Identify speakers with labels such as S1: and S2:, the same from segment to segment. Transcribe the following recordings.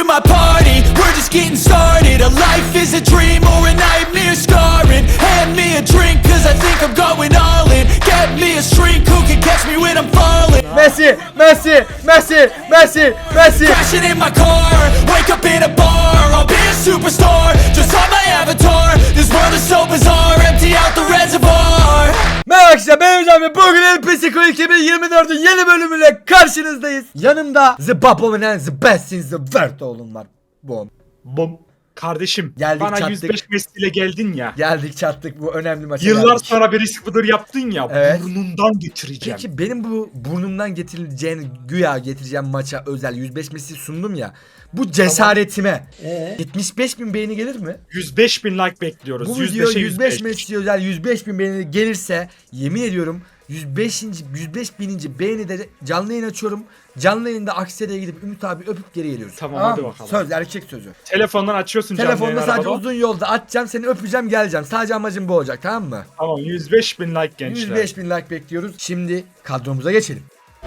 S1: my party, we're just getting started. A life is a dream or a nightmare scarring. Hand me a drink cause I think I'm going all in. Get me a shrink who can catch me when I'm falling.
S2: Messi, Messi, Messi, Messi, Messi.
S1: Crashing in my car, wake up in a bar. I'll be a superstar, just on my avatar. This world is so bizarre, empty out the reservoir.
S2: Merhaba arkadaşlar, ben Hocam ve bugün El Pesico 2024'ün yeni bölümüyle karşınızdayız. Yanımda The Bubble and The Best in the World oğlum var. Bom.
S3: Bom. Kardeşim
S2: Geldik,
S3: bana
S2: çattık.
S3: 105 mesleğiyle geldin ya.
S2: Geldik çattık, bu önemli maça
S3: Yıllar
S2: geldik.
S3: sonra bir risk budur yaptın ya.
S2: Evet.
S3: Burnundan getireceğim.
S2: Peki benim bu burnumdan güya getireceğim maça özel 105 Messi sundum ya. Bu cesaretime 75.000 beğeni gelir mi?
S3: 105.000 like bekliyoruz.
S2: Bu video
S3: 105'e
S2: 105 Messi özel 105.000 beğeni gelirse yemin ediyorum 105. 105.000. beğenide canlı yayın açıyorum. Canlı yayında Aksaray'a gidip Ümit abi öpüp geri geliyoruz.
S3: Tamam, hadi
S2: mı?
S3: bakalım.
S2: Söz, erkek sözü.
S3: Telefondan açıyorsun canlı
S2: Telefonda
S3: yayın
S2: sadece
S3: arabada.
S2: uzun yolda atacağım, seni öpeceğim, geleceğim. Sadece amacım bu olacak, tamam mı?
S3: Tamam, 105.000 like gençler.
S2: 105.000 like bekliyoruz. Şimdi kadromuza geçelim.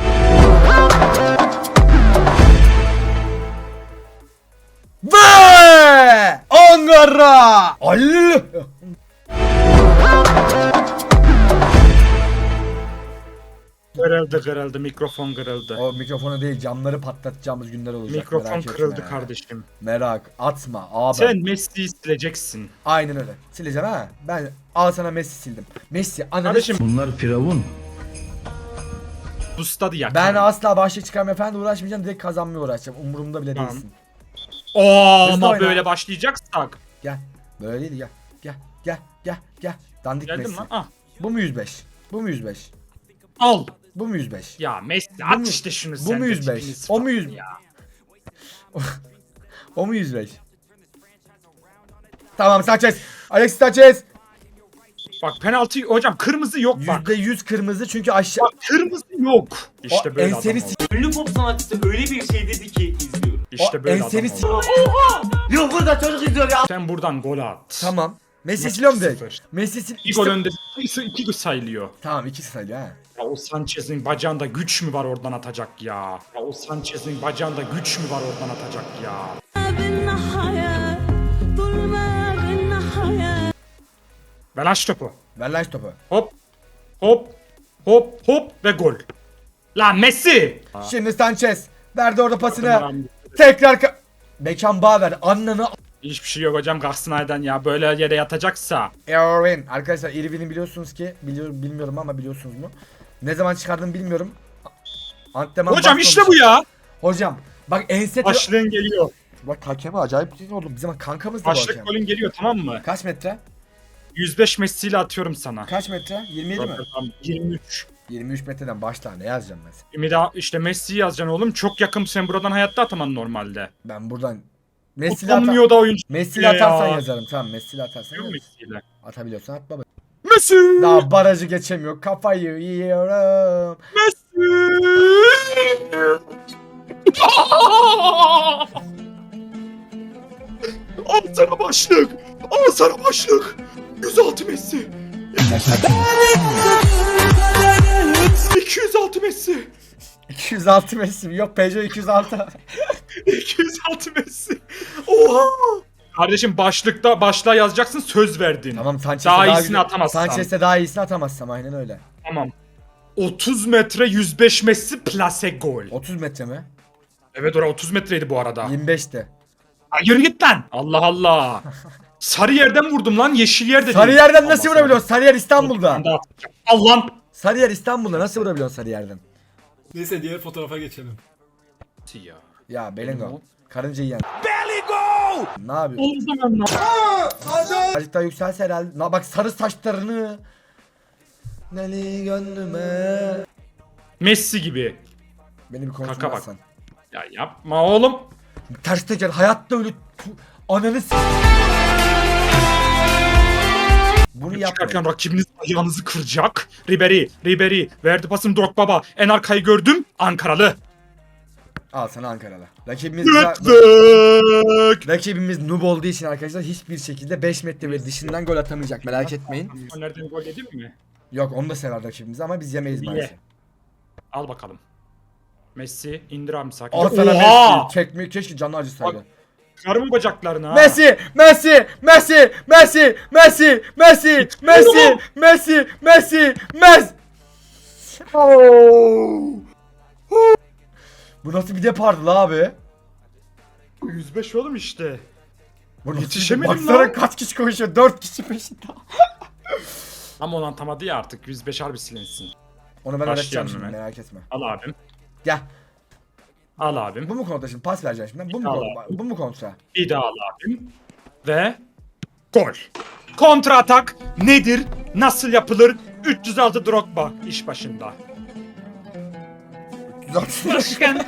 S2: Ve Ankara! Allah!
S3: Kırıldı mikrofon kırıldı.
S2: O mikrofonu değil, camları patlatacağımız günler olacak.
S3: Mikrofon
S2: merak etme
S3: kırıldı
S2: yani.
S3: kardeşim.
S2: Merak atma abi.
S3: Sen Messi'yi sileceksin.
S2: Aynen öyle. Sileceğim ha. Ben al sana Messi sildim. Messi ananı
S3: Kardeşim
S4: Bunlar firavun.
S3: bustadı ya.
S2: ben asla başlık çıkarmaya falan da uğraşmayacağım. Direkt kazanmaya uğraşacağım. Umurumda bile
S3: Tamam.
S2: değilsin.
S3: Oo,
S2: Hızlı
S3: ama
S2: oyna.
S3: böyle başlayacaksak.
S2: Gel. Böyle değil, gel. Gel. Dandik
S3: Geldim
S2: Messi.
S3: lan. Ah.
S2: Bu mu 105? Bu mu 105?
S3: Al.
S2: Bu mu 105?
S3: Ya Messi
S2: Bu
S3: at
S2: mu-
S3: işte şunu
S2: bu
S3: sen
S2: mu
S3: de
S2: 105?
S3: tipiniz
S2: O mu
S3: falan
S2: 100?
S3: ya.
S2: O mu 105? Tamam, Sanchez. Alexis Sanchez.
S3: Bak penaltı hocam, kırmızı yok bak.
S2: %100 kırmızı çünkü aşağı...
S3: Bak kırmızı yok. İşte
S2: O
S3: böyle
S2: enseni
S3: adam oldu.
S5: Ünlü pop sanatçısı öyle bir şey dedi ki izliyorum.
S3: İşte böyle adam
S2: enseni
S3: oldu.
S5: Yok burada çocuk izliyor ya.
S3: Sen buradan gol at.
S2: Tamam. Messi
S3: Maç
S2: siliyorum direkt.
S3: 2-0.
S2: Messi sil...
S3: Bir gol önde. İki gol sayılıyor.
S2: Tamam, 2 sayılıyor ha.
S3: Ya o Sanchez'in bacağında güç mü var oradan atacak ya? Ya o Sanchez'in bacağında güç mü var oradan atacak ya? Ver aç topu.
S2: Ver lan şu topu.
S3: Hop. Hop. Hop. Hop. Ve gol. Lan Messi.
S2: Şimdi Sanchez. Verdi orada pasını.
S3: Tamam.
S2: Tekrar Beckham Bağver. Annanı...
S3: Hiçbir şey yok hocam Galatasaray'dan ya. Böyle yere yatacaksa.
S2: Irvin. Arkadaşlar Irvin'i biliyorsunuz ki. Bilmiyorum ama biliyorsunuz mu? Ne zaman çıkardığımı bilmiyorum. Antrenman
S3: Hocam
S2: başlamış.
S3: işte bu ya.
S2: Hocam. Bak ense...
S3: Başlığın geliyor.
S2: Bak hakeme acayip değil oğlum. Bizim kankamız da bu
S3: Başlık
S2: hakem.
S3: golün geliyor, tamam mı?
S2: Kaç metre?
S3: 105 Messi ile atıyorum sana.
S2: Kaç metre? 27 mi?
S3: Tamam, 23.
S2: 23 metreden başla, ne yazacağım ben sana?
S3: Bir daha işte Messi'yi yazacaksın oğlum. Çok yakın, sen buradan hayatta ataman normalde.
S2: Ben buradan Messi'yle
S3: Utanmıyor da oyuncu.
S2: Messi'yle
S3: Ya.
S2: atarsan yazarım. Tamam, Messi'yle atarsan
S3: Yok
S2: yaz.
S3: Messi'yle.
S2: Atabiliyorsan at baba.
S3: Messi!
S2: Daha barajı geçemiyor. Kafayı yiyorum.
S3: Messi! Al sana başlık! Al sana başlık! 106 Messi! 206 Messi!
S2: 206 Messi. Yok, Peugeot 206.
S3: 206 Messi! Oha! Kardeşim başlığa yazacaksın, söz verdin.
S2: Tamam, Sanchez'e
S3: Daha iyisini
S2: güzel-
S3: atamazsam.
S2: Sanchez'e daha iyisini atamazsam, aynen öyle.
S3: Tamam. 30 metre 105 Messi plase gol.
S2: 30 metre mi?
S3: Evet, orası 30 metreydi bu arada.
S2: 25'te.
S3: Ay, yürü git lan. Allah Allah. Sarı yerden vurdum lan, yeşil yerde değil.
S2: Sarıyer'den nasıl vurabiliyorsun? Sarıyer İstanbul'da.
S3: Allah.
S2: Sarıyer İstanbul'da nasıl vurabiliyorsun Sarıyer'den?
S4: Neyse diğer fotoğrafa geçelim.
S3: Ya.
S2: Ya Belengo. Karınca yiyen. Belengo! Ne yapıyorsun?
S3: O zaman
S2: Azıcık daha yükselse herhalde. Bak sarı saçlarını. Neli gönlüme.
S3: Messi gibi.
S2: Beni bir
S3: Kaka bak.
S2: konuşmazsan.
S3: Ya yapma oğlum.
S2: Ters teker hayatta öyle ananı Bunu
S3: Çıkarken
S2: yapma.
S3: rakibiniz ayağınızı kıracak. Ribery verdi pasını Drogbaba. En arkayı gördüm. Ankaralı.
S2: Al sana Ankaralı.
S3: Yıktık.
S2: Rakibimiz noob olduğu için arkadaşlar hiçbir şekilde 5 metre ve dışından gol atamayacak, merak etmeyin.
S3: Nereden gol yedin mi?
S2: Yok, onu da sever rakibimiz ama biz yemeyiz
S3: Niye?
S2: maalesef.
S3: Al bakalım. Messi indir abi sakin.
S2: Al sana
S3: Oha!
S2: Messi. Çekmeyi keşke canı acısaydı.
S3: Karımı bacaklarını ha.
S2: Messi, Messi, Messi, Messi, Messi, Messi, Messi, Messi, Messi, Messi. Bu nasıl bir depardı la abi?
S3: 105 oğlum işte.
S2: Bu
S3: Yetişemedim
S2: baksana
S3: lan.
S2: kaç kişi koşuyor? 4 kişi peşinde.
S3: Ama onu atamadı ya artık 105 harbi silinsin.
S2: Onu ben öğreteceğim
S3: Başlayalım
S2: şimdi
S3: hemen.
S2: merak etme.
S3: Al abim.
S2: Gel.
S3: Al abim.
S2: Bu mu kontra şimdi? Pas vereceğim şimdi. Bu mu
S3: Al
S2: kontra?
S3: abi.
S2: Bu mu kontra?
S3: Bir daha al abim. Ve gol. Kontra atak nedir? Nasıl yapılır? 306 Drogba iş başında. Başkan.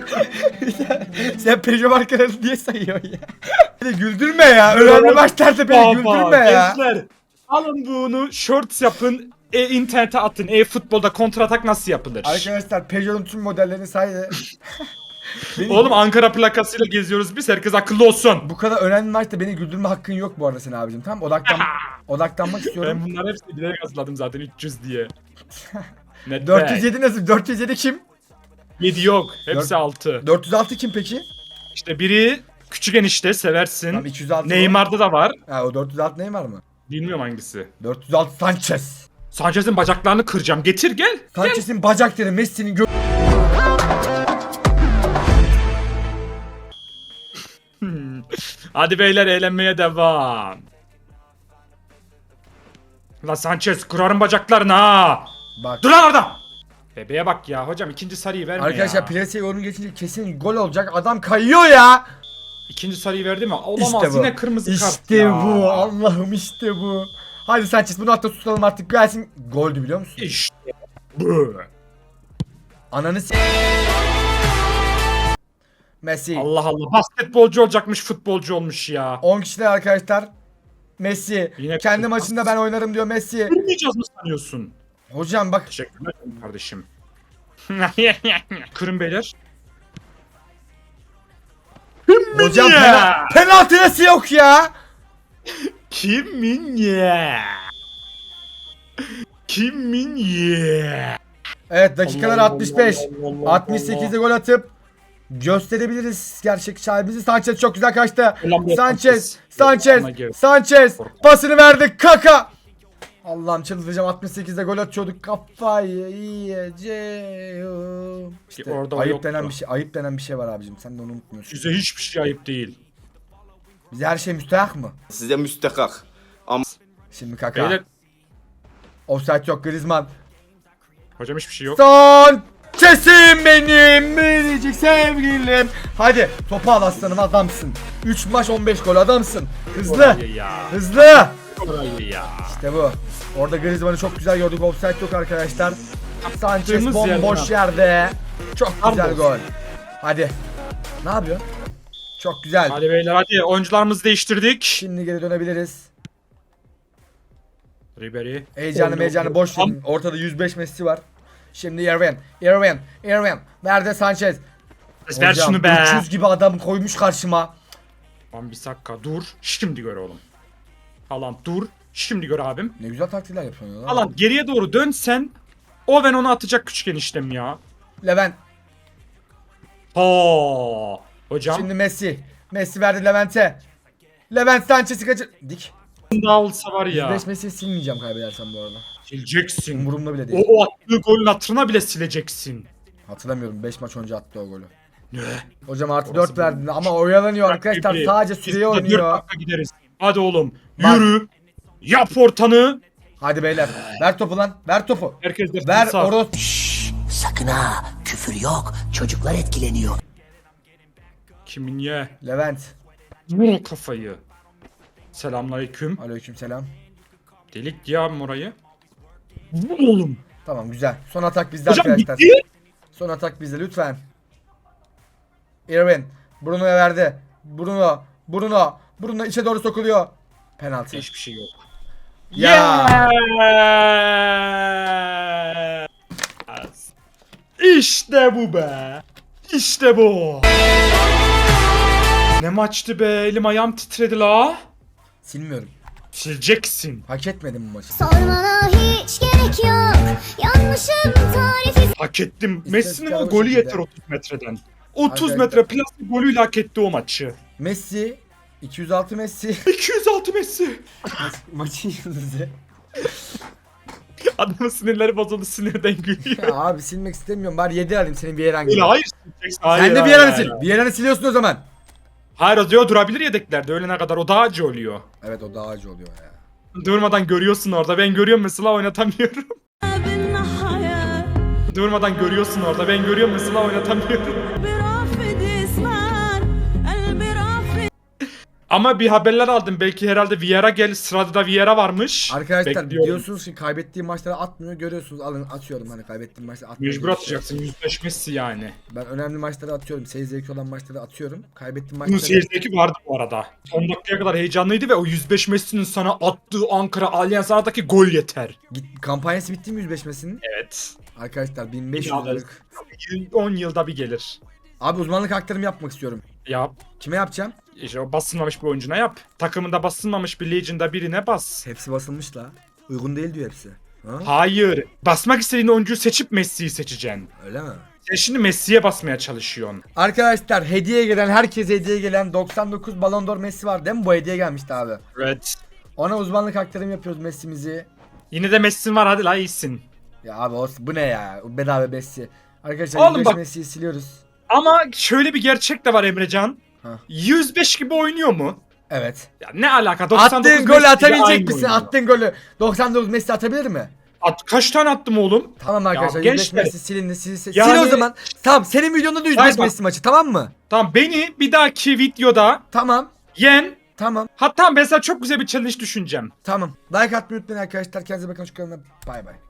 S2: Sen Peugeot markalarını niye sayıyorsun ya? Beni güldürme ya. Önemli maçlarda beni güldürme ya.
S3: Gençler, alın bunu shorts yapın. İnternete atın. Futbolda kontra atak nasıl yapılır?
S2: Arkadaşlar Peugeot'un tüm modellerini saydı. Beni-
S3: Oğlum Ankara plakasıyla geziyoruz biz. Herkes akıllı olsun.
S2: Bu kadar önemli maçta beni güldürme hakkın yok bu arada senin abicim. Tamam odaklanmak istiyorum.
S3: Ben bunları hepsini bilerek hazırladım zaten 300 diye. Ne
S2: 407 nasıl? 407 kim?
S3: 7 yok. Hepsi 6.
S2: 406 kim peki?
S3: İşte biri küçük enişte seversin.
S2: Tamam 206
S3: Neymar'da da var.
S2: Ha o 406 Neymar mı?
S3: Bilmiyorum hangisi.
S2: 406 Sanchez.
S3: Sanchez'in bacaklarını kıracağım. Getir gel.
S2: Sanchez'in bacakları Messi'nin
S3: Hadi beyler eğlenmeye devam. La Sanchez kırarım bacaklarını ha.
S2: Bak.
S3: Dur lan orada. Bebeğe bak ya hocam ikinci sarıyı verme
S2: Arkadaşlar
S3: ya.
S2: Plase yorum geçince kesin gol olacak. Adam kayıyor ya.
S3: İkinci sarıyı verdi mi? Olamaz
S2: İşte bu.
S3: yine kırmızı kart
S2: İşte
S3: ya.
S2: bu. Allah'ım işte bu. Hadi Sanchez bunu hatta tutalım artık gelsin. Goldü biliyor musun?
S3: İşte bu.
S2: Ananı s***. Messi.
S3: Allah Allah basketbolcu olacakmış futbolcu olmuş ya.
S2: 10 kişiler arkadaşlar. Messi.
S3: Yine-
S2: Kendi maçında ben oynarım diyor Messi.
S3: Kırmayacağız mı sanıyorsun?
S2: Hocam bak.
S3: Teşekkürler kardeşim. Kırın beyler.
S2: Hocam
S3: ya?
S2: penaltı nasıl yok ya?
S3: Kimin ya? Kimin ya?
S2: Evet dakikalar
S3: Allah
S2: 65.
S3: Allah Allah
S2: 68'de gol atıp gösterebiliriz gerçek sahibimizi. Sanchez çok güzel kaçtı.
S3: Ulan
S2: Sanchez,
S3: Sanchez.
S2: Sanchez, Sanchez pasını verdi Kaka. Allah'ım çıldıracağım 68'de gol atıyorduk kafayı yiyeceğim. İşte
S3: Orada o
S2: ayıp
S3: yoktu.
S2: denen bir şey, ayıp denen bir şey var abicim. Sen de onu unutmuyorsun.
S3: Size hiçbir şey ayıp değil.
S2: Bize her şey müstehak mı?
S6: Size müstakak.
S2: Şimdi Kaka.
S3: Beyler
S2: Offside yok Griezmann.
S3: hocam hiçbir şey yok.
S2: Sanchez'im benim biricik sevgilim. Hadi topu al aslanım adamsın. 3 maç 15 gol adamsın. Hızlı.
S3: Orayı ya.
S2: Hızlı.
S3: Orayı ya.
S2: İşte bu. Orada Griezmann'ı çok güzel gördük. Offside yok arkadaşlar. Sanchez
S3: Yaptığımız
S2: bomboş yerde. Çok güzel
S3: Pardon.
S2: gol. Hadi. Ne yapıyor? Çok güzel.
S3: Hadi beyler hadi oyuncularımızı değiştirdik.
S2: Şimdi geri dönebiliriz.
S3: Ribery.
S2: Heyecanı boş verin. Ortada 105 Messi var. Şimdi Irvin. Nerede Sanchez?
S3: Ver
S2: Hocam,
S3: şunu be.
S2: 300 gibi adam koymuş karşıma.
S3: Lan bir dakika dur. Şimdi gör oğlum. Haaland dur. Şimdi gör abim.
S2: Ne güzel taktikler yapıyorsun ya.
S3: Haaland geriye doğru dönsen. O ben onu atacak küçük eniştem ya.
S2: Levent.
S3: Ha. Hocam.
S2: Şimdi Messi. Messi verdi Levent'e. Levent Sanchez'i kaçır. Dik.
S3: Şimdi alsa var ya.
S2: 105 Messi'yi silmeyeceğim kaybedersem bu arada.
S3: Sileceksin.
S2: Umurumda bile değil.
S3: O attığı golün hatırına bile sileceksin.
S2: Hatırlamıyorum 5 maç önce attı o golü.
S3: Ne?
S2: Hocam artı
S3: Orası
S2: 4 verdi ama oyalanıyor arkadaşlar
S3: Ribery.
S2: sadece
S3: Biz
S2: süreye
S3: burada 4
S2: oynuyor.
S3: dakika gideriz. Hadi oğlum.
S2: Bak.
S3: Yürü. Yap ortanı.
S2: Hadi beyler ver topu lan ver topu.
S3: Herkes de
S2: Ver
S3: sağ.
S2: Oros.
S7: Sakın ha, küfür yok. Çocuklar etkileniyor.
S3: Kimin ye?
S2: Levent.
S3: Vur kafayı. Selamünaleyküm.
S2: Aleykümselam.
S3: Delik ya orayı. Vur oğlum.
S2: Tamam güzel. Son atak bizde
S3: Hocam
S2: arkadaşlar.
S3: bitti.
S2: Son atak bizde lütfen. Irvin. Bruno'ya verdi. Bruno içe doğru sokuluyor. Penaltı.
S3: Hiçbir şey yok.
S2: Ya.
S3: Yes. İşte bu be. İşte bu. Ne maçtı be. Elim ayağım titredi la.
S2: Silmiyorum.
S3: Sileceksin.
S2: Hak etmedim bu maçı.
S6: Sormana hiç gerek yok. Yanlışım tarifi.
S3: Hak ettim.
S2: İstatistikler
S3: Messi'nin o
S2: o
S3: golü
S2: şekilde.
S3: yeter 30 metreden. 30
S2: Arkadaşlar.
S3: metre plastik golüyle hak etti o maçı.
S2: Messi 206 Messi
S3: 206 Messi.
S2: maçın yıldızı.
S3: Adamın sinirleri bozuldu, sinirden gülüyor.
S2: Ya abi silmek istemiyorum. Bari 7 alayım senin bir yeran gibi.
S3: Öyle hayır sileceksin. Hayır,
S2: Sen de bir
S3: hayır,
S2: yeranı
S3: hayır.
S2: sil. Bir yeranı siliyorsun o zaman.
S3: Hayır o diyor durabilir yedeklerde öğlene kadar o daha acı oluyor.
S2: Evet o daha acı oluyor ya.
S3: Durmadan görüyorsun orada, ben görüyorum mesela oynatamıyorum. Durmadan görüyorsun orada, ben görüyorum mesela oynatamıyorum. Ama bir haberler aldım, belki herhalde Vieira gel, sırada da Vieira varmış.
S2: Arkadaşlar
S3: Bekliyorum.
S2: diyorsunuz ki kaybettiğim maçları atmıyor, görüyorsunuz, alın atıyorum, hani kaybettiğim maçları atmıyor.
S3: Mecbur atacaksın, 105 Messi yani.
S2: Ben önemli maçları atıyorum, seyir zevki olan maçları atıyorum. Kaybettiğim
S3: Bunun
S2: maçları...
S3: seyircisi vardı bu arada. Son dakikaya kadar heyecanlıydı ve o 105 Messi'nin sana attığı Ankara Allianz Arena'daki gol yeter.
S2: Kampanyası bitti mi 105 Messi'nin?
S3: Evet.
S2: Arkadaşlar 1500
S3: Ya,
S2: liralık.
S3: 10 yılda bir gelir.
S2: Abi uzmanlık aktarımı yapmak istiyorum.
S3: Yap.
S2: Kime yapacağım?
S3: İşte o basılmamış bir oyuncuna yap. Takımında basılmamış bir Legend'da birine bas.
S2: Hepsi basılmış la. Uygun değil diyor hepsi. Ha?
S3: Hayır. Basmak istediğin oyuncuyu seçip Messi'yi seçeceksin.
S2: Öyle mi?
S3: Sen şimdi Messi'ye basmaya çalışıyorsun.
S2: Arkadaşlar hediye gelen, herkese hediye gelen 99 Ballon d'Or Messi var değil mi? Bu hediye gelmişti abi.
S3: Evet.
S2: Ona uzmanlık aktarımı yapıyoruz Messi'mizi.
S3: Yine de Messi'nin var, hadi la iyisin.
S2: Ya abi bu ne ya? Bedava Messi. Arkadaşlar
S3: Oğlum
S2: 105
S3: bak-
S2: Messi'yi siliyoruz.
S3: Ama şöyle bir gerçek de var Emrecan.
S2: Ha.
S3: 105 gibi oynuyor mu?
S2: Evet.
S3: Ya ne alaka? 99
S2: Attığın golü
S3: Messi gibi
S2: atabilecek
S3: aynı
S2: misin?
S3: oynuyor.
S2: Attığın golü 99 Messi atabilir mi?
S3: Kaç tane attım oğlum?
S2: Tamam arkadaşlar
S3: Ya
S2: 105
S3: gençler,
S2: Messi silindi. Sil
S3: yani-
S2: o zaman. Tamam senin videonda da 105
S3: Hayır bak.
S2: Messi maçı, tamam mı?
S3: Tamam, beni bir dahaki videoda
S2: Tamam.
S3: yen.
S2: Tamam.
S3: Hatta ben sana çok güzel bir challenge düşüneceğim.
S2: Tamam. Like atmayı unutmayın arkadaşlar. Kendinize bakın, şu kanalına. Bay bay.